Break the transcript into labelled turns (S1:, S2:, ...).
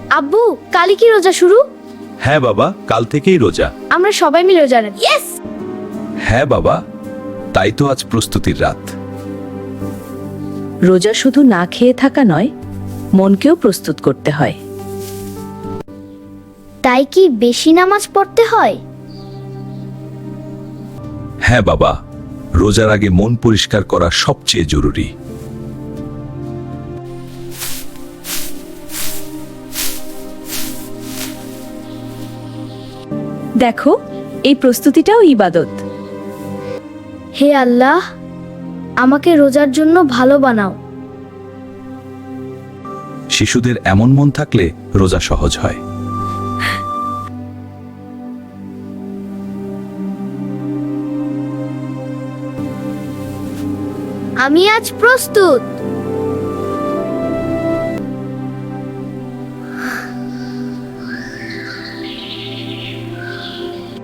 S1: আব্বু, কালই কি রোজা শুরু?
S2: হ্যাঁ বাবা, কাল থেকেই রোজা।
S1: আমরা সবাই মিলে রোজা রাখি। ইয়েস!
S2: হ্যাঁ বাবা, তাই তো আজ প্রস্তুতির রাত।
S3: রোজা শুধু না খেয়ে থাকা নয়, মনকেও প্রস্তুত করতে হয়।
S1: তাই কি বেশি নামাজ পড়তে হয়?
S2: হ্যাঁ বাবা, রোজার আগে মন পরিষ্কার করা সবচেয়ে জরুরি।
S3: দেখো, এই প্রস্তুতিটাও ইবাদত।
S1: হে আল্লাহ, আমাকে রোজার জন্য ভালো বানাও।
S2: শিশুদের এমন মন থাকলে রোজা সহজ হয়।
S1: আমি আজ প্রস্তুত।